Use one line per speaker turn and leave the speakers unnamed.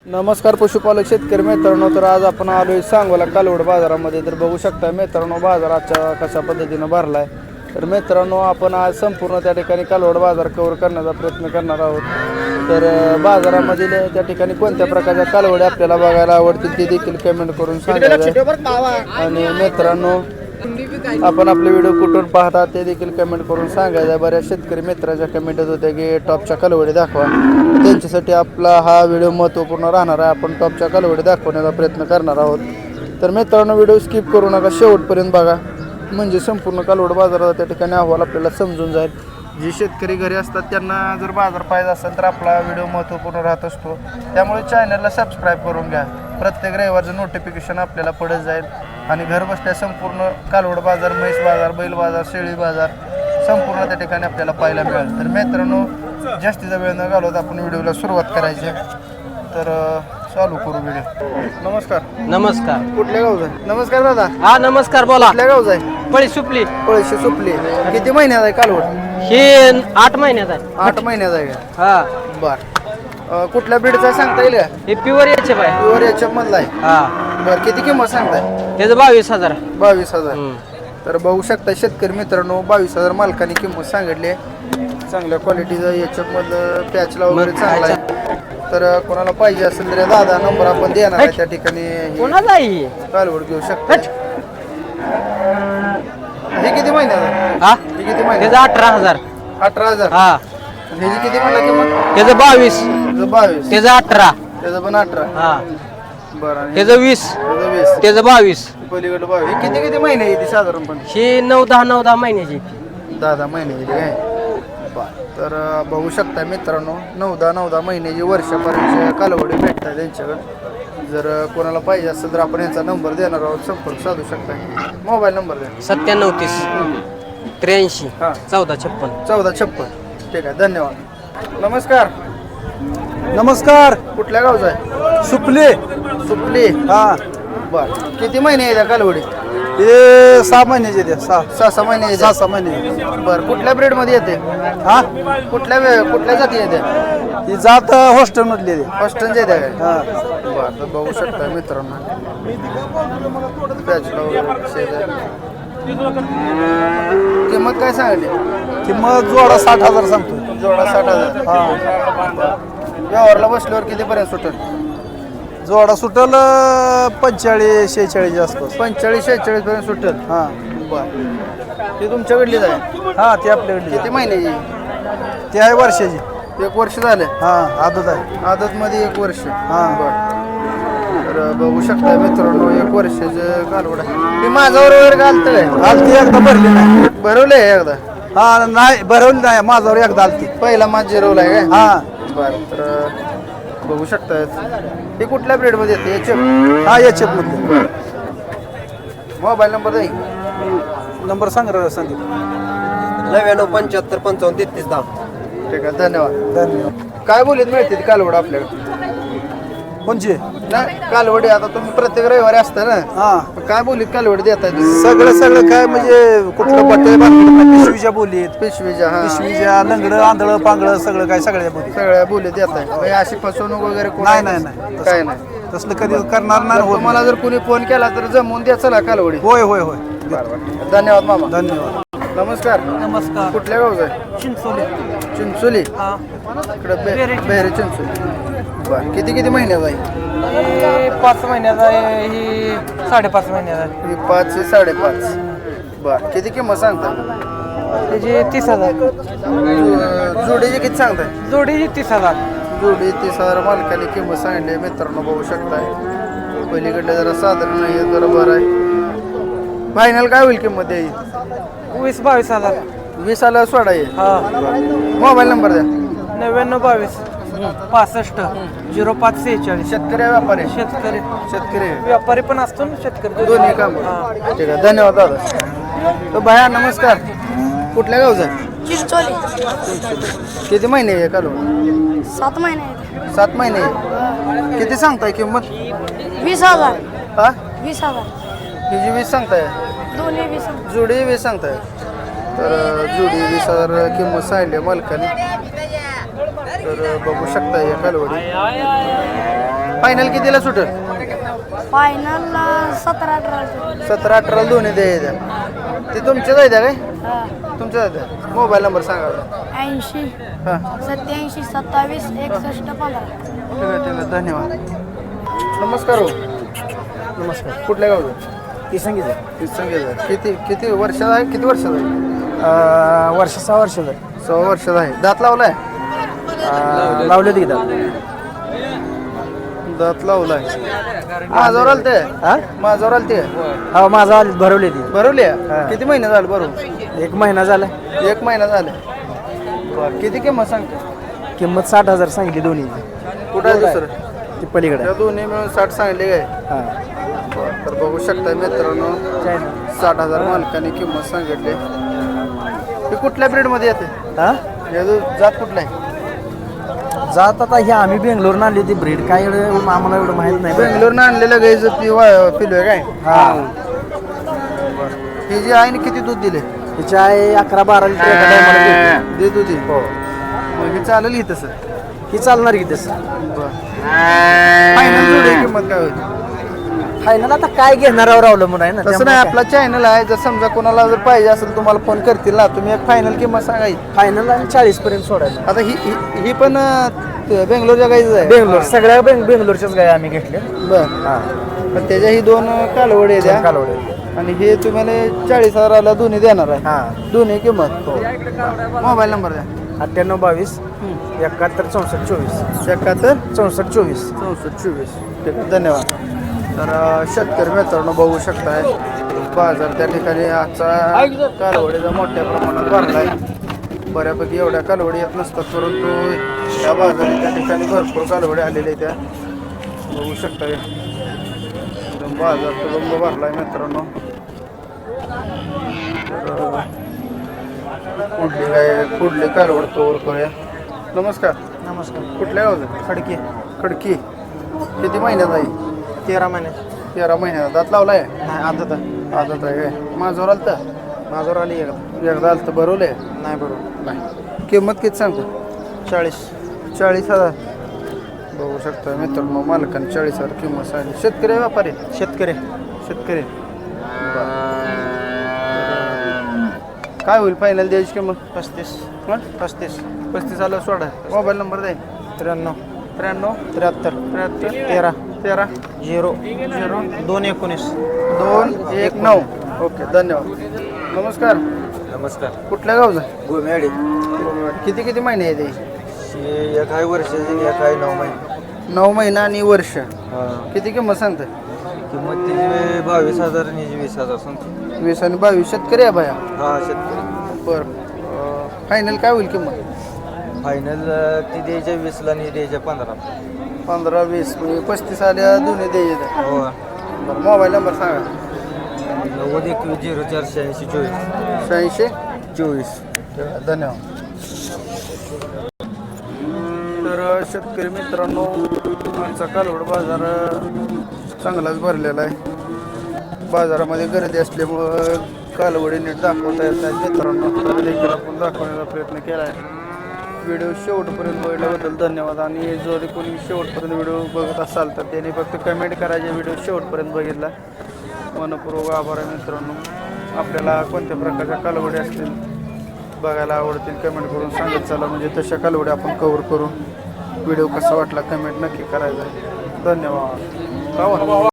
नमस्कार पशुपालक शेतकरी मित्रांनो, तर आज आपण आलोय सांगोला कालवड बाजारामध्ये. तर बघू शकता मित्रांनो, बाजाराच्या कशा पद्धतीनं भरलाय. तर मित्रांनो, आपण आज संपूर्ण त्या ठिकाणी कालवड बाजार कव्हर करण्याचा प्रयत्न करणार आहोत. तर बाजारामधील त्या ठिकाणी कोणत्या प्रकारच्या कालवडी आपल्याला बघायला आवडतील ते देखील कमेंट करून सांगायचं. आणि मित्रांनो, आपण आपले व्हिडिओ कुठून पाहता ते देखील कमेंट करून सांगायचं. बऱ्याच शेतकरी मित्राच्या कमेंट होत्या की टॉपच्या कालवडी दाखवा. त्यांच्यासाठी आपला हा व्हिडिओ महत्त्वपूर्ण राहणार आहे. आपण टॉपच्या कालवडी दाखवण्याचा प्रयत्न करणार आहोत. तर मित्रांनो, व्हिडिओ स्किप करू नका, शेवटपर्यंत बघा, म्हणजे संपूर्ण कालवड बाजाराचा त्या ठिकाणी अहवाल आपल्याला समजून जाईल. जे शेतकरी घरी असतात त्यांना जर बाजार पाहिजे असेल तर आपला व्हिडिओ महत्त्वपूर्ण राहत असतो. त्यामुळे चॅनलला सबस्क्राईब करून घ्या. प्रत्येक रविवारचं नोटिफिकेशन आपल्याला पडत जाईल आणि घर बसल्या संपूर्ण कालवड बाजार, म्हैस बाजार, बैल बाजार, शेळी बाजार संपूर्ण त्या ठिकाणी आपल्याला पाहायला मिळेल. तर मित्रांनो, जास्तीचा वेळ न घालवता आपण व्हिडिओला सुरुवात करायची. तर चालू करू व्हिडिओ. नमस्कार.
नमस्कार.
कुठल्या गावचा? नमस्कार दादा.
हा नमस्कार, बोला.
कुठल्या गावचा आहे?
पळी सुपली.
पळशी सुपली. किती महिन्यात आहे कालवड?
हे 8 महिन्यात आहे.
8 महिन्यात आहे का?
हा.
बर. कुठल्या ब्रीडचा आहे सांगता येईल का?
हे प्युअर याचे बाय.
प्युअर याच्या मधला आहे.
हा.
बर, किती किंमत सांगताय?
त्याचं 22,000.
22,000. तर बघू शकता शेतकरी मित्रांनो, 22,000 मालकाने किंमत सांगितली आहे. चांगल्या क्वालिटीचं याच्या मधलं पॅचला वगैरे चांगला आहे. तर कोणाला पाहिजे असेल तर दादा नंबर आपण देणार आहे त्या ठिकाणी.
कोणाला आहे?
कालवड घेऊ शकता. हे किती महिन्यात आहे?
हा.
हे किती महिन्यात?
त्याचं 18,000.
18,000.
हा.
ह्याची किती म्हणला किंमत?
त्याचं 22.
त्याचं 22.
त्याचं 18.
त्याचं पण 18.
हा.
बरं.
त्याचं 20.
त्याचं 20.
त्याचं 22.
पलीकडे 22. हे किती महिने येते साधारणपणे?
ही 9-10 महिन्याची.
10 महिने येते काय? तर बघू शकता मित्रांनो, 9-10 महिन्याची वर्षापर्यंत कालवडी भेटतात त्यांच्याकडे. जर कोणाला पाहिजे असेल तर आपण यांचा नंबर देणार आहोत, संपर्क साधू शकता. मोबाईल नंबर द्या.
9730 83
हा.
1456.
1456. ठीक आहे, धन्यवाद. नमस्कार.
नमस्कार.
कुठल्या गावचा आहे?
सुपली.
सुपली.
हा.
बर, किती महिने येत्या कालवडी?
हे 6 महिन्याचे ते
6 महिने येत्या.
6 महिने.
बर, कुठल्या ब्रेड मध्ये येते?
हा.
कुठल्या जाती येत्या?
ही जात हॉस्टेल मधली ते.
हॉस्टनच्या येत्या काय?
हा.
बर, तर बघू शकता मित्रांनो, पॅचला वगैरे शेत आहे. किंमत काय सांगली?
किंमत जोडा 60,000 सांगतो.
जोडा 60,000.
हा.
व्यवहारला बसल्यावर किती पर्यंत सुटेल?
जोडा सुटल 45-46 आसपास.
45-46 पर्यंत सुटेल.
हा.
बर, ती तुमच्याकडलीच आहे?
हा, ती आपल्याकडे
किती महिन्याची?
ती आहे वर्षाची.
1 वर्ष झाले.
हा, आदत आहे.
आदत मध्ये 1 वर्ष.
हा.
बर, तर बघू शकता मित्रांनो, 1 वर्षाचं कालवड आहे. ती माझ्यावर वगैरे घालतं काय?
आलती एकदा भरली नाही.
भरवले एकदा?
हा, नाही भरवली नाही, माझ्यावर एकदा आलती.
पहिला माझ जिरवलाय काय?
हा.
बर, तर बघू शकता हे कुठल्या ब्रेड मध्ये येते? याचे
हा, याच्यात मधली.
मोबाईल नंबर द्या.
नंबर सांग रे संदीप.
99 75 55 33 10.
ठीक आहे, धन्यवाद.
धन्यवाद.
काय बोलीत मिळते ती कालवड आपल्याकडे?
कोणची?
नाही, कालवडी आता तुम्ही प्रत्येक रविवारी असता ना,
हा.
काय बोलीत कालवडी देताय तुम्ही?
सगळं काय म्हणजे कुठलं बट्टे बांधलं पिशवीच्या बोलीत,
पिशवीच्या? हा,
पिशवीच्या लंगडं आंधळं पांगळं सगळं काय सगळ्या बोलीत.
सगळ्या बोलीत देताय. म्हणजे अशी फसवणूक वगैरे कोण?
नाही नाही नाही
काय नाही.
तसलं कधी करणार नाही.
जर
होत
तुम्हाला जर कोणी फोन केला तर जमवून द्या चला कालवडी.
होय होय होय.
बरोबर, धन्यवाद मामा.
धन्यवाद.
नमस्कार.
नमस्कार.
कुठल्या गावचं आहे?
चिंचोली.
चिंचोली.
हा.
इकडे बेहरे चिंचोली. बर, किती महिन्यात आहे?
हे 5 महिन्याचा आहे. ही 5.5 महिन्याचा आहे.
ही 5 ते 5.5. बर, किती किंमत सांगता?
त्याची 30,000.
जोडीची किती सांगताय?
जोडीची 30,000.
जोडी 30,000 मालकाने किंमत सांगितली. मित्रांनो बघू शकताय, पलीकडे जरा साधारण नाही, जरा बरं आहे. फायनल काय होईल किंमत द्यायची?
20-22,000.
20,000 सोडा आहे.
हा.
मोबाईल नंबर द्या.
99 22 65 0546.
शेतकरी आहे व्यापारी?
शेतकरी.
शेतकरी आहे.
व्यापारी पण असतो ना, शेतकरी
दोन्ही काम.
हा.
ठीक आहे, धन्यवाद दादा. तर भया नमस्कार. कुठल्या गावचं आहे?
चिंचोली.
किती महिने आहे कालवड?
7 महिने आहेत.
7 महिने. किती सांगताय किंमत?
20,000.
हा,
20,000.
हिची 20 सांगताय?
दोन्ही 20,000.
जोडी 20 सांगताय? तर जोडी 20,000 किंमत सांगली मालकाने. तर बघू शकता या कालवडी. फायनल कितीला सुटेल?
फायनलला 17-18.
17-18 दोन्ही द्यायच्या. ते तुमच्याच आहे त्या काय? तुमच्याच आहे त्या. मोबाईल नंबर सांगा.
80
हां
87 27 61 15.
ठीक आहे धन्यवाद. नमस्कार हो. नमस्कार. कुठल्या गावचं?
ती सांगितलं
संगीत. किती वर्षाचा आहे? किती वर्षाचा आहे?
वर्ष 6 वर्ष
6 वर्षाचा आहे. दात लावलाय?
लावले ती दात.
दात लावलाय. माझ्यावर आलं ते? माझ्यावर आलं ते?
हा माझा भरवले ती.
भरवली आहे? किती महिने झाले भरून?
1 महिना झाला.
1 महिना झाले. बरं किती किंमत सांगते?
किंमत 60,000 सांगितली दोन्ही.
कुठं आहे दुसरं?
ती पलीकडे.
त्या दोन्ही मिळून 60 सांगले काय?
हां
तर बघू शकता मित्रांनो 60,000 मालकाने किंमत सांगितली. हे कुठल्या ब्रीडमध्ये येते?
हां
हे जात कुठला आहे?
जात आता ही आम्ही बेंगलोरनं आणली होती ब्रीड. काय एवढं आम्हाला एवढं माहित नाही.
बेंगलोरनं आणलेलं गाईचं पिलो आहे काय?
हां
ही जी आहे ना किती दूध दिले?
तिची आहे 11-12 लिटर एका टायमाला देते.
देत होती.
हो
मग हे चालेल ही तसं?
ही चालणार की तसं.
फायनल जोडी किंमत काय होईल?
फायनल आता काय घेणारावर अवलंबून आहे ना.
तसं नाही आपला चॅनल आहे. जर समजा कोणाला जर पाहिजे असेल तुम्हाला फोन करतील ना तुम्ही एक फायनल किंमत सांगायची.
फायनल आणि 40 पर्यंत सोडायला.
आता ही पण बेंगलोरच्या गाईच आहे.
बेंगलोर सगळ्या बेंगलोरच्याच गाय आम्ही घेतल्या.
बर
हां
पण त्याच्या ही 2 कालवडे द्या
कालवडे.
आणि हे तुम्हाला 40,000ला दोन्ही देणार आहे.
हां
दोन्ही किंमत. मोबाईल नंबर द्या.
98 22 71 64 24.
71
64 24.
64 ठीक आहे धन्यवाद. तर शेतकरी मित्रांनो बघू शकताय बाजार त्या ठिकाणी आजचा कालवडीचा मोठ्या प्रमाणात भरलाय. बऱ्यापैकी एवढ्या कालवडी येत नसतात परंतु या बाजारात त्या ठिकाणी भरपूर कालवडी आलेल्या त्या बघू शकताय. एकदम बाजार तुडुंब भरलाय मित्रांनो. पुढली कालवड तोवर करूया. नमस्कार.
नमस्कार.
कुठल्या गावचं?
खडकी.
खडकी. किती महिन्यात आहे?
13 महिने.
13 महिन्यात. दात लावलाय?
नाही आदत आहे.
आदत आहे काय? माझ्यावर आलं तर
माझ्यावर आली
एकदा आलं तर भरवलंय?
नाही बरोबर.
नाही. किंमत किती सांगतो? 40,000 बघू शकता मित्रांनो मालकाने 40,000 किंमत सांगितली. शेतकरी आहे व्यापारी?
शेतकरी.
शेतकरी. काय होईल फायनल द्यायची किंमत? 35 आलं सोडा. मोबाईल नंबर द्या.
93
93
73 13
13
0 219
219. ओके धन्यवाद. नमस्कार.
नमस्कार.
कुठल्या गावचं?
गोमेवाडी.
किती महिने आहे ते?
एक आहे वर्षाची एक आहे 9 महिने.
9 महिना आणि वर्ष.
हां
किती किंमत सांगते?
किंमत तिची 22,000 आणि 20,000 सांगतो.
20 आणि 22 शेतकरी आहे बाया?
हा शेतकरी.
बरं फायनल काय होईल किंमत?
फायनल ती द्यायच्या 20ला आणि द्यायच्या 15.
15-20 म्हणजे 35 आल्या दोन्ही द्यायचे.
हो
बरं मोबाईल नंबर सांगा.
90 21 04 86 24.
86 24. धन्यवाद. तर शेतकरी मित्रांनो आमचा कालवड बाजार चांगलाच भरलेला आहे. बाजारामध्ये गर्दी असल्यामुळं कालवडी नीट दाखवता येत नाही मित्रांनो. तर देखील आपण दाखवण्याचा प्रयत्न केला आहे. व्हिडिओ शेवटपर्यंत बघितल्याबद्दल धन्यवाद. आणि जर कोणी शेवटपर्यंत व्हिडिओ बघत असाल तर त्याने फक्त कमेंट करायचे व्हिडिओ शेवटपर्यंत बघितला. मनपूर्वक आभार आहे मित्रांनो. आपल्याला कोणत्या प्रकारच्या कालवडी असतील बघायला आवडतील कमेंट करून सांगत चला म्हणजे तशा कालवडी आपण कव्हर करू. व्हिडिओ कसा वाटला कमेंट नक्की करायचा. धन्यवाद.